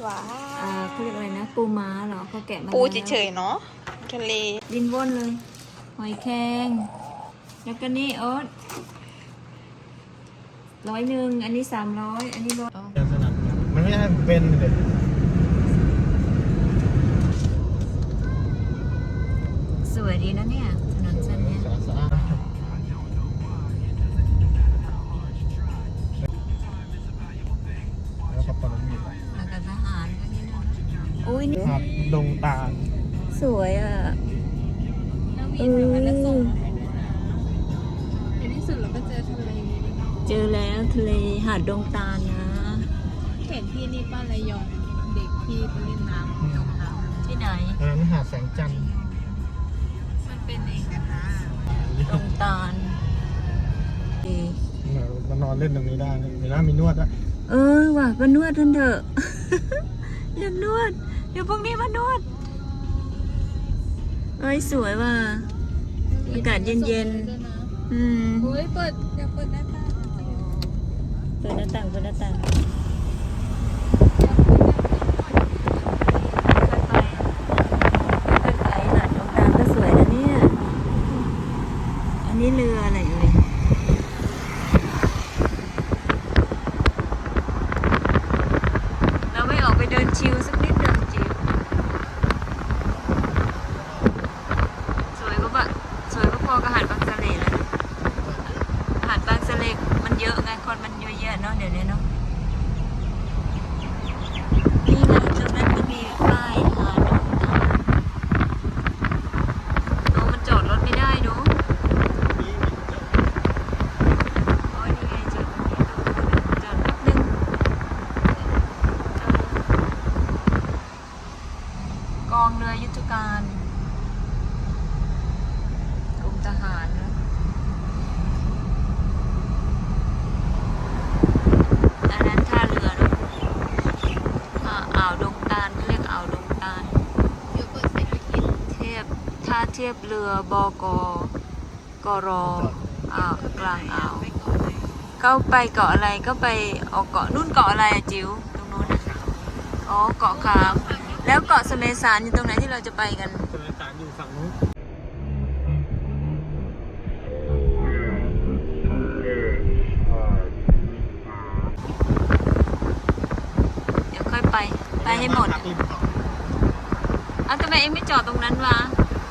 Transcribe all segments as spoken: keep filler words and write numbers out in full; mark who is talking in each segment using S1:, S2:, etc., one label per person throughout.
S1: ว้า
S2: อ่าเขาเรียกอะไรนะปูม้าเหรอเขาแกะมา
S1: ปู
S2: แล้ว
S1: เฉยๆเนาะทะเล
S2: ดินว่อนเลย หอยแครงแล้วก็นี่โอ๊ตร้อยหนึ่งอันนี้สามร้อยอันนี้ร้อย
S3: มันไม่ให้ผมเป็นเลย
S2: สวยดีนะเนี่ยถนนเส้นเนี้ย
S3: สะอาดสะอาดแล้วก็ปนมีด
S2: แล้วก็ทหารก็นี่นะอุ้ยนี่
S3: ครับดงตาล
S2: สวยอ่ะ
S1: แล้วมีแบบว่าแล้วส่งมาให้ด้วยนะในที่สุดเราก็เจอทะเล
S2: เจอแล้วทะเลหาดดงตาลนะ
S1: เห็นที่นี่ป้าระยองเด็กที่ไปเล่นน้ำจมน้ำ
S2: ที่ไหน
S3: เออนี่หาดแสงจันทร์
S1: มันเป็นเองกันนะ
S2: ดงตาลดี
S3: มานอนเล่นตรงนี้ได้มีน้ำมีนวดอะ
S2: เออว่ะมานวดทันเถอะ อยากนวด เดี๋ยวพวกนี้มานวด เอ้ยสวยว่ะ อากาศเย็นๆ อืม
S1: ๆเฮ้ยเปิดอยากเปิดหน้าต่าง
S2: เปิดหน้าต่างเปิดหน้าต่างค่อยไปค่อยไปหาดดงตาลก็สวยนะเนี่ย อันนี้เรืออะไรเอ่ยเราไม่ออกไปเดินชิลสักนิดเดินจิวสวยก็แบบสวยก็พอกับหาดบางสะเลแล้วนะหาดบางสะเลมันเยอะไงคนมันเยอะแยะเนาะเดี๋ยวนี้เนาะนี่ไงตรงนั้นก็มีป้ายหาดดงตาลโอ้มันจอดรถไม่ได้เนาะโอ้ยนี่ไงจอดตรงนี้จอดแป๊บนึง กองเรือยุทธการกรมทหารนะอันนั้นท่าเรือเนอะอ่าอ่าวดงตาลเรียกอ่าวดงตาล
S1: เดี๋ยวเปิดเศรษฐกิจ
S2: เทียบท่าเทียบเรือบกกรอ่าวกลางอ่าว
S1: ไปก่อนเลย
S2: เข้าไปเกาะอะไรก็ไปออกเกาะนู่นเกาะอะไรอะจิ๋วตรงนู้นน่ะอ๋อเกาะขามแล้วเกาะสะเมสารอยู่ตรงไหนที่เราจะไปกัน
S3: คนละตาลอยู่ฝั่งนู้น
S2: เดี๋ยวค่อยไป ไปให้หมด
S3: พักริมเกาะ
S2: อ้าวทำไมเองไม่จอดตรงนั้นวะ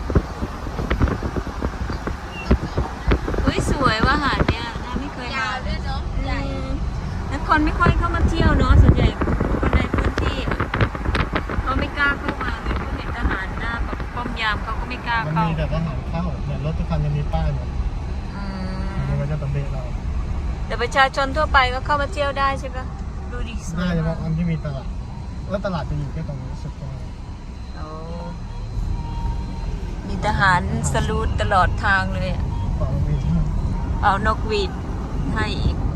S2: เฮ้ยสวยว่ะหาดเนี่ยน่าไม่เคย
S1: ยาม
S2: าว
S1: ด้วยเนาะใหญ่
S2: แล้วคนไม่ค่อยเข้ามาเที่ยวเนาะส่วนใหญ่คนในพื้นที่อะเขาไม่กล้าเข้ามาเลยเขาเห็นทหารหน้าแบบป้อมยามเขาก็ไม่กล้า
S3: มัน
S2: เข้า
S3: มีแต่ทหารเข้าเนี่ยรถทุกคันจะมีป้ายหมด
S2: อื
S3: มัน
S2: ม
S3: ก็จะตำเบะเรา
S2: แต่ประชาชนทั่วไปก็เข้ามาเที่ยวได้ใช่ปะดูดิสว
S3: น่าย จะ
S2: มา
S3: ว่าก อันที่มีตลาดแล้วตลาดจะอยู่แค่ตรงนี้สุดตรงนี้
S2: โอ้มีทหารสลูดตลอดทางเลยอะ
S3: เกาะมี
S2: เอานกหวีดให้อีก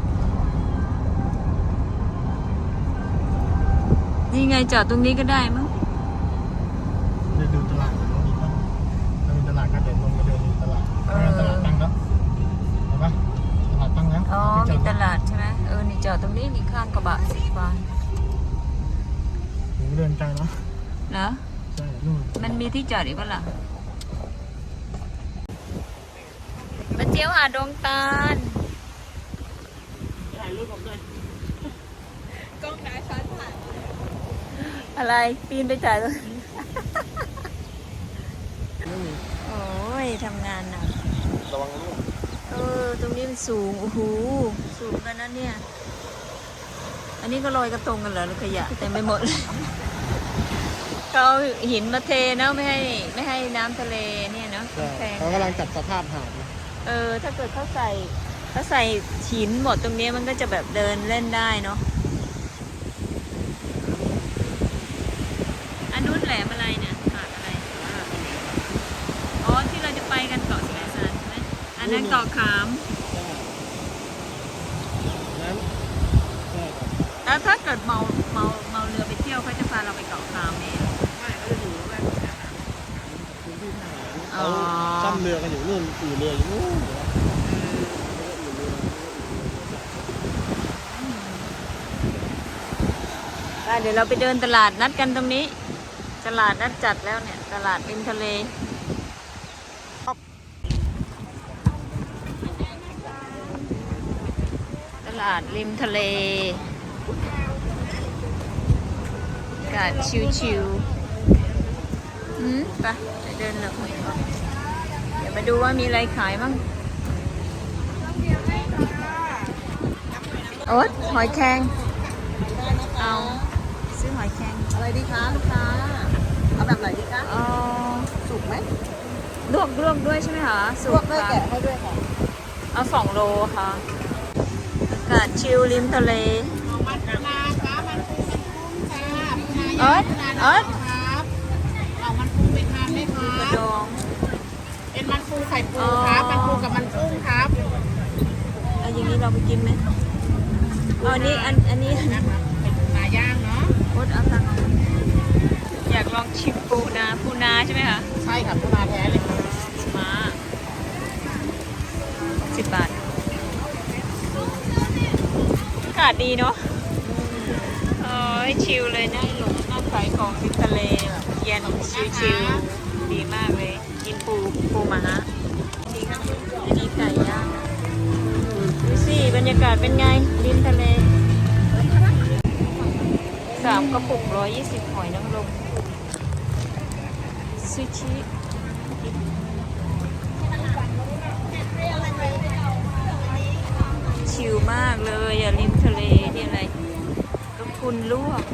S2: นี่ไงจอดตรงนี้ก็ได้มั้ง
S3: จะดูตลาดแล้วมีต้องถ้ามีตลาดก็เดินลงมาเดินดูตลาดไม่งั้นตลาดตั้งแล้วเห็นปะตลาดตั้งแล้ว
S2: อ๋อ
S3: ที่จ
S2: มี
S3: อด
S2: ตลาดใช่ไหมเออ นี่จอดตรงนี้นี่ข้างกระบะสีฟ้า
S3: หนูเดินไกลเนาะ
S2: เหรอ
S3: ใช่นู่น
S2: มันมีที่จอดอีกปะล่ะมาเที่ยวหาดดงตาล
S3: ถ่ายรูปผมด้วย
S1: กล้องน้าช้อนผ่าน
S2: อะไร ปีนไปจ่ายเลยโอ้ยทำงานหนัก
S3: ระวังลูก
S2: เออ ตรงนี้มันสูง โอ้โห สูงกันนะเนี่ย อันนี้ก็ลอยกระทงกันเหรอหรือขยะเต็มไปหมดเลยเขาเอาหินมาเทเนาะไม่ให้ไม่ให้น้ำทะเลเนี่ยเนาะ
S3: ใช่
S2: แพง
S3: เขากำลังจัดสภาพหาดนะ
S2: เออ ถ้าเกิดเขาใส่เขาใส่หินหมดตรงนี้มันก็จะแบบเดินเล่นได้เนาะ อันนู้นแหลมอะไรเนี่ยหาดอะไร อ๋อ ที่เราจะไปกันเกาะสแมซานใช่ไหมอันนั้นเกาะขาม
S3: นั้นใช่ครับ
S2: แล้วถ้าเกิดเมาเมาเมาเรือไปเที่ยวเขาจะพาเราไปเกาะขามเอง
S3: ไม่เขาจะอยู่แวกพื้นที่ทหาร
S2: อ๋อ
S3: เขาซ่อมเรือกันอยู่นู่นอู่เรืออยู่นู่น
S2: ไปเดี๋ยวเราไปเดินตลาดนัดกันตรงนี้ ตลาดนัดจัดแล้วเนี่ย ตลาดริมทะเล ตลาดริมทะเลอากาศชิวๆอืมไปไปเดินเลยเดี๋ยวไปดูว่ามีอะไรขายบ้างโอ๊ตหอยแครงเอาซื้อหอยแครง
S4: อะไรดีคะลูกค้า เอาแบบไหนดีคะ
S2: เอา
S4: สุกไหม
S2: ลวกลวกด้วยใช่ไหมคะ
S4: ล
S2: สุ
S4: ว
S2: ก
S4: กด้วย
S2: ค่ะ
S4: แกะให้ด้วยค่ะ
S2: เอาสองโลค่ะ อากาศชิลริมทะเล
S4: มันปลาค่ะมันปูมันกุ้งค่ะ
S2: เอิร์ดเอิร์ด
S4: ครับเอามันปูไปทานได้ครั
S2: กระ
S4: บ
S2: ดอง
S4: เป็นมันปูไข่ปูครับมันปูกับมันกุ้งครับ
S2: เอาอย่างนี้เราไปกินไหมเอาอันนี้อันอันนี้
S4: นะครับเป็นปลาย่างเนาะ
S2: โอ๊ตเอาตังค์เอาอยากลองชิมปูนาปูนาใช่ไหมคะ
S4: ใช่ค่ะปูนาแท้เลยค่ะ
S2: มาสิบบาทอากาศดีเนาะโอ้ยชิลเลยนั่งหลงนั่งขายของริมทะเลแบบเย็นชิลๆดีมากเลย กินปูปูมาฮะดีครับอันนี้ไก่ย่างดูสิบรรยากาศเป็นไงริมทะเลสามกระปุกร้อยยี่สิบหอยนางรมซูชิชิลมากเลยอ่ะริมทะเลนี่อะไรก็คุณลวก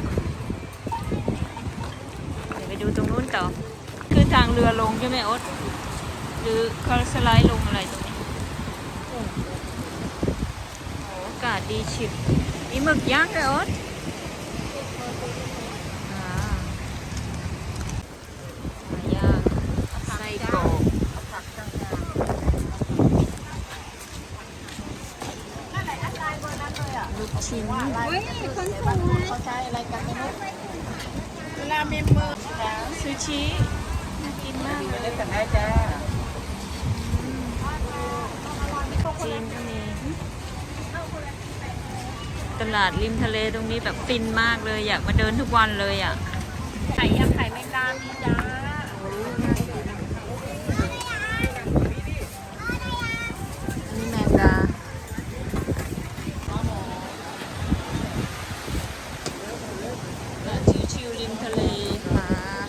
S2: เดี๋ยวไปดูตรงนู้นต่อคือทางเรือลงใช่ไหมโอ๊ตหรือเขาสไลด์ลงอะไรตรงนี้โอ้อากาศดีฉิบมีหมึกย่างด้วยโอ๊ตอ่าหมึกย่างไส้กรอกลูกชิ้น
S4: เฮ้ยคนสวยเขาใช้อะไรกันไม่รู้เวลาเมมเบอร์
S2: ซูชิน่ากินมากเลย
S4: เล่นกันได้จ้า
S2: จีนก็มีตลาดริมทะเลตรงนี้แบบฟินมากเลยอยากมาเดินทุกวันเลยอ่ะ
S1: ไข่ยำไข่แมงดามีจ้า
S2: อันนี้แมงดาชิวๆริมทะเลค่ะ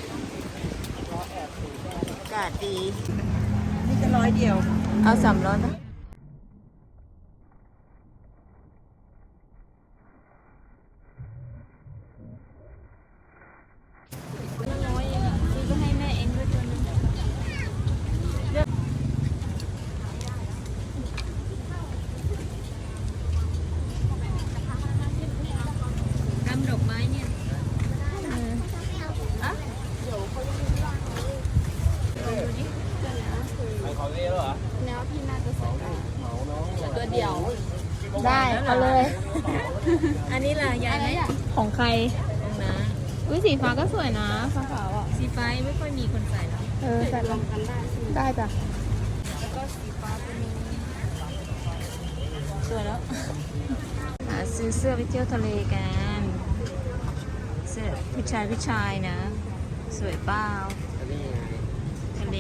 S2: อากาศดี
S4: นี่จะร้อยเดียว
S2: เอาสามร้อยไหมร้อยเองอ่ะซื้อก็ให้แม่เองด้วยตัวนึงกำดอกไม้เนี่ยเอออะดูดิ
S1: แล้วพี่น่าจะใส่ได้ตัวเดียว
S2: ได้เอาเลย อันนี้ล่ะยายไหมของใครของน้า
S1: อุ้ยสีฟ้าก็สวยนะฟ้าขาวอ่ะ
S2: สีฟ้าไม่ค่อยมีคนใส่แล้ว
S1: เออใส่รวมกันได้ใช่ไหม
S4: ได้จ้ะ
S1: แล้วก็สีฟ้าตัวนี้
S2: สวยแล้วหาซื้อเสื้อไปเที่ยวทะเลกัน เสื้อผู้ชายผู้ชายนะ สวยเปล่าทะเล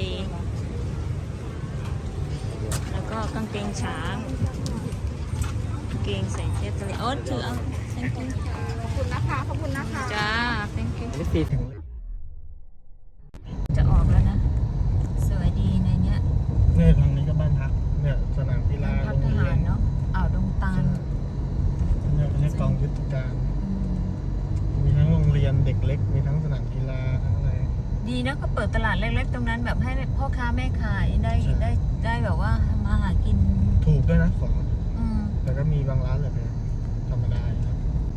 S2: แล้วก็กางเกงช้างกางเกงใส่เที่ยวทะเลโอ๊ตถือเอา thank you
S1: ขอบคุณนะคะ ขอบคุณนะคะ
S2: จ้า thank you
S3: นี่ตีถึง
S2: จะออกแล้วนะ สวยดีในเนี้ย
S3: เนี่ยทางนี้ก็บ้านพักเนี่ยสนามกีฬา
S2: พั
S3: โร
S2: ก
S3: ง
S2: ท
S3: เรี
S2: หาย ร
S3: น
S2: เนาะอ่าวดงตาล
S3: เนี่ยไม่ใช่กองยุทธการ มีทั้งโรงเรียนเด็กเล็ก มีทั้งสนามกีฬาทั้งอะไร
S2: ดีนะก็เปิดตลาดเล็กๆตรงนั้นแบบให้พ่อค้าแม่ขายได้
S3: ใช่
S2: ได้ได้แบบว่าทำมาหากิน
S3: ถูกด้วยนะของ
S2: อืม
S3: แต่ก็มีบางร้านแบบธรรมดาอยู่นะ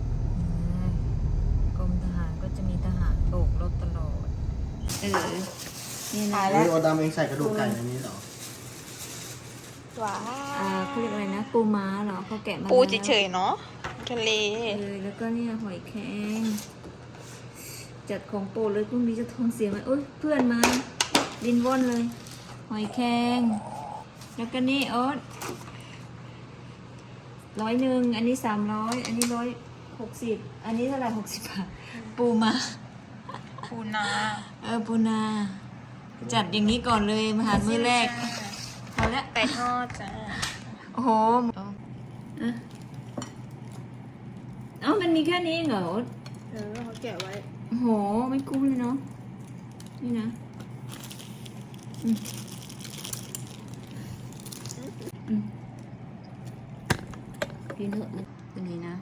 S2: กรมทหารก็จะมีทหารโบกรถตลอดเออนี่นะ
S3: นี่โอดามเองใส่กระดูกไก่ในนี้เหรอ
S1: ว้า
S2: อ่าเขาเรียกอะไรนะ ปูม้าเหรอเขาแกะมา
S1: ปู
S2: แล้ว
S1: เฉยๆเนาะทะเล
S2: เออแล้วก็เนี่ยหอยแครงจัดของโปรดเลยพรุ่งนี้จะท้องเสียไหมโอ๊ยเพื่อนมาดินว่อนเลย หอยแครงแล้วก็นี่โอ๊ตร้อยหนึ่งอันนี้สามร้อยอันนี้ร้อยหกสิบอันนี้เท่าไหร่หกสิบบาทปูมา
S1: ปูนา
S2: เออปูนา จัดอย่างนี้ก่อนเลยมาหารมื้อแรกพอแล้ว
S1: ไก่ทอดจ้า
S2: โอ้โหอ่ะเอ้ามันมีแค่นี้เหรอ
S1: เออเขาแกะไว้
S2: โอ้โหไม่กุ้งเลยเนาะนี่นะอืมอืมกินเถอะตัวนี้นะ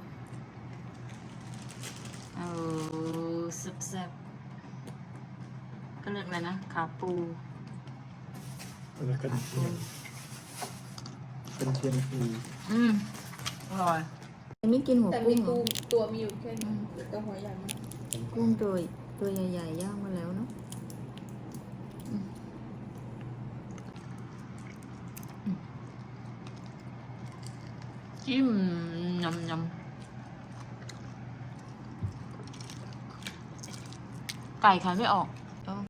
S2: เอาแซ่บๆก็เรียกอะไรนะขาปู
S3: แล้วก็เทียมเป็นเทียมฟู
S2: อืมอร่อยไม่กินหัว
S1: แต่
S2: กุ้
S1: มี
S2: งเหร
S1: ปู
S2: อ
S1: ตัวมีอยู่แค่นี้กับหัวใหญ่มาก
S2: กุ้งตัวตัวใหญ่ๆย่างมาแล้วเนาะอืมอืมจิ้มยำยำไก่ขายไม่ออก